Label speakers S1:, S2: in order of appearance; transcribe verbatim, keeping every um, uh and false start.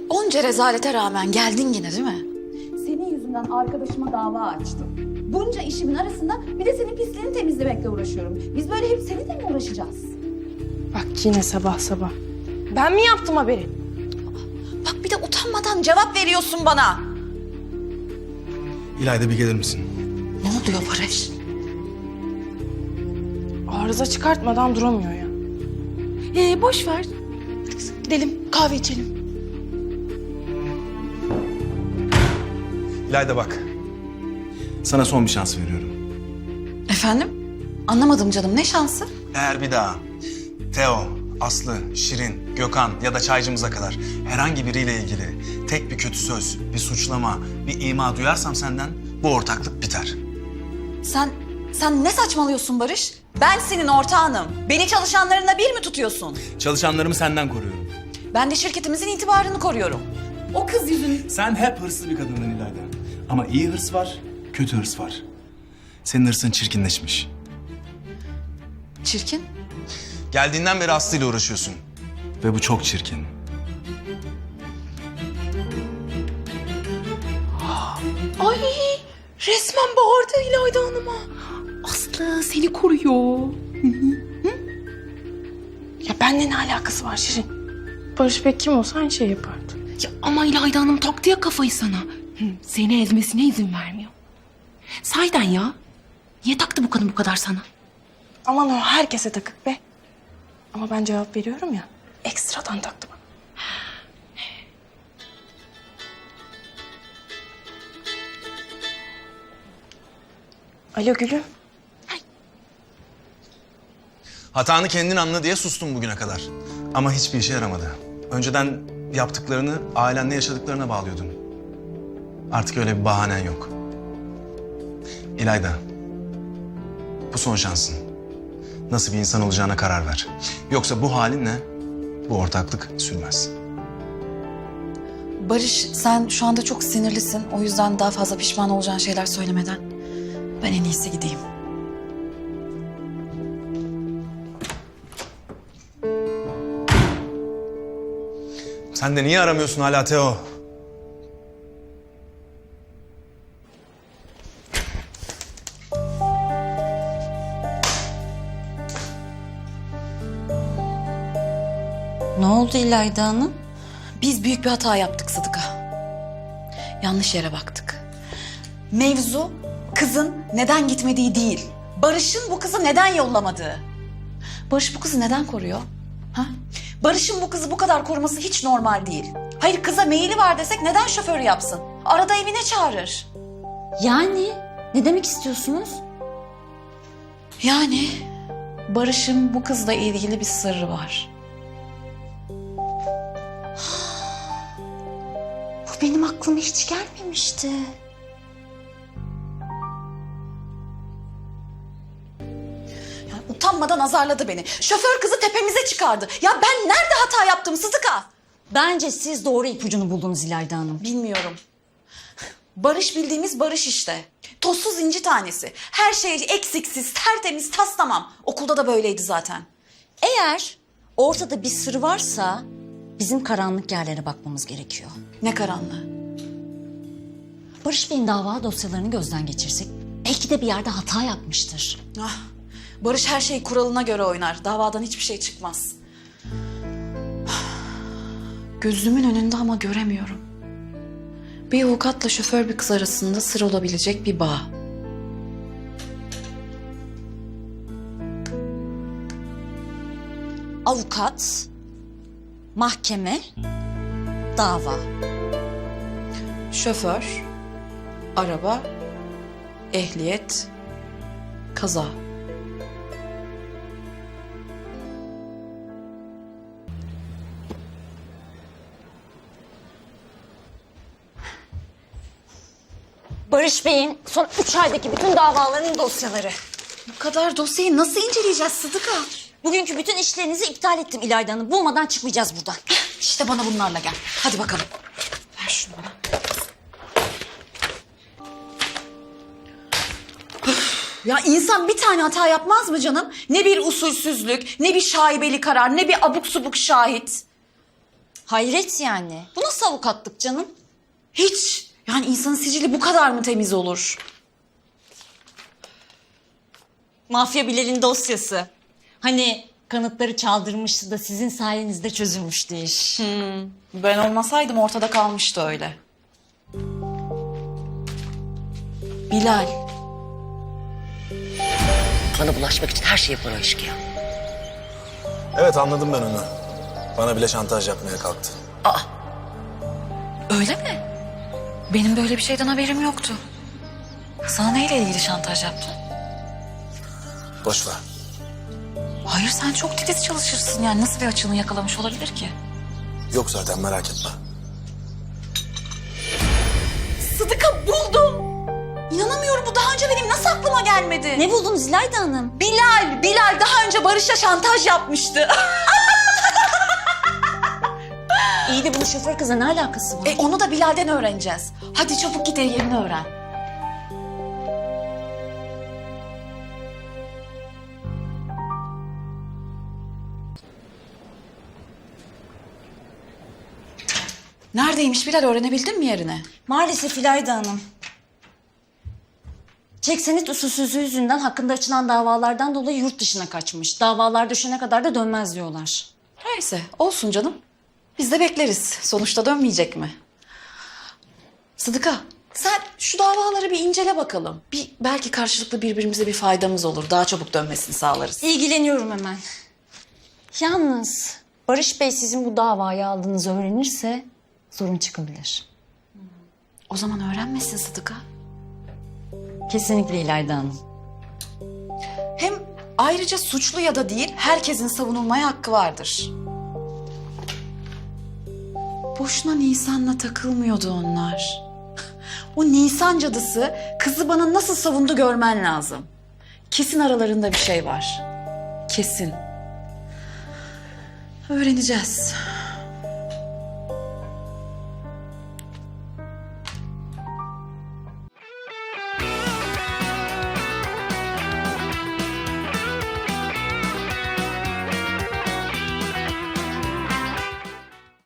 S1: Onca rezalete rağmen geldin yine değil mi?
S2: Senin yüzünden arkadaşıma dava açtım. Bunca işimin arasında bir de senin pisliğini temizlemekle uğraşıyorum. Biz böyle hep seninle mi uğraşacağız?
S3: Bak yine sabah sabah. Ben mi yaptım haberi?
S1: Bak bir de utanmadan cevap veriyorsun bana.
S4: İlayda bir gelir misin?
S1: Ne oluyor Barış?
S3: Arıza çıkartmadan duramıyor ya.
S1: Ee, boş ver. Gidelim kahve içelim.
S4: İlayda bak. Sana son bir şans veriyorum.
S1: Efendim? Anlamadım canım, ne şansı?
S4: Eğer bir daha Teo, Aslı, Şirin, Gökhan ya da çaycımıza kadar herhangi biriyle ilgili tek bir kötü söz, bir suçlama, bir ima duyarsam senden bu ortaklık biter.
S1: Sen, sen ne saçmalıyorsun Barış? Ben senin ortağınım. Beni çalışanlarına bir mi tutuyorsun?
S4: Çalışanlarımı senden koruyorum.
S1: Ben de şirketimizin itibarını koruyorum. O kız yüzünden...
S4: Sen hep hırslı bir kadındın İlayda. Ama iyi hırs var, kötü hırs var. Senin hırsın çirkinleşmiş.
S1: Çirkin.
S4: Geldiğinden beri Aslı ile uğraşıyorsun. Ve bu çok çirkin.
S3: Ay resmen bağırdı İlayda Hanım'a. Aslı seni koruyor. Ya benimle ne alakası var Şirin? Barış Bey kim olsa aynı şey yapardı.
S5: Ya ama İlayda Hanım taktı ya kafayı sana. Hı, seni ezmesine izin vermiyor. Sahiden ya. Niye taktı bu kadın bu kadar sana?
S3: Aman o herkese takık be. Ama ben cevap veriyorum ya. Ekstradan taktı bana. Alo Gülüm.
S4: Hatanı kendin anla diye sustum bugüne kadar. Ama hiçbir işe yaramadı. Önceden yaptıklarını ailenle yaşadıklarına bağlıyordun. Artık öyle bir bahanen yok. İlayda, bu son şansın. Nasıl bir insan olacağına karar ver. Yoksa bu halinle bu ortaklık sürmez.
S1: Barış, sen şu anda çok sinirlisin. O yüzden daha fazla pişman olacağın şeyler söylemeden ben en iyisi gideyim.
S4: Sen de niye aramıyorsun hala Teo?
S6: Ne oldu İlayda Hanım?
S1: Biz büyük bir hata yaptık Sıdıka. Yanlış yere baktık. Mevzu kızın neden gitmediği değil. Barış'ın bu kızı neden yollamadığı. Barış bu kızı neden koruyor? Ha? Barış'ın bu kızı bu kadar koruması hiç normal değil. Hayır, kıza meyili var desek neden şoför yapsın? Arada evine çağırır.
S6: Yani ne demek istiyorsunuz?
S1: Yani Barış'ın bu kızla ilgili bir sırrı var.
S6: Bu benim aklıma hiç gelmemişti.
S1: Yani utanmadan azarladı beni. Şoför kızı tepemize çıkardı. Ya ben nerede hata yaptım Sıdıka?
S6: Bence siz doğru ipucunu buldunuz İlayda Hanım.
S1: Bilmiyorum. Barış bildiğimiz Barış işte. Tozsuz inci tanesi. Her şey eksiksiz, tertemiz, tas tamam. Okulda da böyleydi zaten.
S6: Eğer ortada bir sır varsa bizim karanlık yerlere bakmamız gerekiyor.
S1: Ne karanlığı.
S6: Barış Bey'in dava dosyalarını gözden geçirsek belki de bir yerde hata yapmıştır.
S1: Ah, Barış her şey kuralına göre oynar. Davadan hiçbir şey çıkmaz. Gözümün önünde ama göremiyorum. Bir avukatla şoför bir kız arasında sır olabilecek bir bağ.
S6: Avukat, mahkeme, dava.
S1: Şoför, araba, ehliyet, kaza.
S6: Barış Bey'in son üç aydaki bütün davalarının dosyaları.
S1: Bu kadar dosyayı nasıl inceleyeceğiz Sıdıka?
S6: Bugünkü bütün işlerinizi iptal ettim İlayda Hanım. Bulmadan çıkmayacağız buradan.
S1: İşte bana bunlarla gel. Hadi bakalım. Ver şunu bana. Öf, ya insan bir tane hata yapmaz mı canım? Ne bir usulsüzlük, ne bir şaibeli karar, ne bir abuk subuk şahit.
S6: Hayret yani. Bu nasıl avukatlık canım?
S1: Hiç. Yani insanın sicili bu kadar mı temiz olur?
S6: Mafya Bilal'in dosyası. Hani kanıtları çaldırmıştı da sizin sayenizde çözülmüştü iş.
S1: Ben olmasaydım ortada kalmıştı öyle. Bilal.
S7: Bana bulaşmak için her şeyi yapar o eşkıya.
S4: Evet, anladım ben onu. Bana bile şantaj yapmaya kalktı.
S1: Öyle mi? Benim böyle bir şeyden haberim yoktu. Sana neyle ilgili şantaj yaptı?
S4: Boş ver.
S1: Hayır, sen çok titiz çalışırsın yani. Nasıl bir açığını yakalamış olabilir ki?
S4: Yok zaten, merak etme.
S1: Sıdıka, buldum. İnanamıyorum, bu daha önce benim nasıl aklıma gelmedi?
S6: Ne buldunuz İlayda Hanım?
S1: Bilal, Bilal daha önce Barış'a şantaj yapmıştı.
S6: İyi de bunun şoför kızla ne alakası var?
S1: E, onu da Bilal'den öğreneceğiz. Hadi çabuk git, yerini öğren. Neredeymiş Bilal, öğrenebildin mi yerini?
S6: Maalesef İlayda Hanım. Çek senet usulsüzlüğü yüzünden hakkında açılan davalardan dolayı yurt dışına kaçmış. Davalar düşene kadar da dönmez diyorlar.
S1: Neyse, olsun canım. Biz de bekleriz. Sonuçta dönmeyecek mi? Sıdıka, sen şu davaları bir incele bakalım. Bir, belki karşılıklı birbirimize bir faydamız olur. Daha çabuk dönmesini sağlarız.
S6: İlgileniyorum hemen. Yalnız Barış Bey sizin bu davayı aldığınızı öğrenirse sorun çıkabilir.
S1: O zaman öğrenmesin Sıdıka.
S6: Kesinlikle İlayda Hanım.
S1: Hem ayrıca suçlu ya da değil, herkesin savunulmaya hakkı vardır. Boşuna Nisan'la takılmıyordu onlar. O Nisan cadısı kızı bana nasıl savundu görmen lazım. Kesin aralarında bir şey var. Kesin. Öğreneceğiz.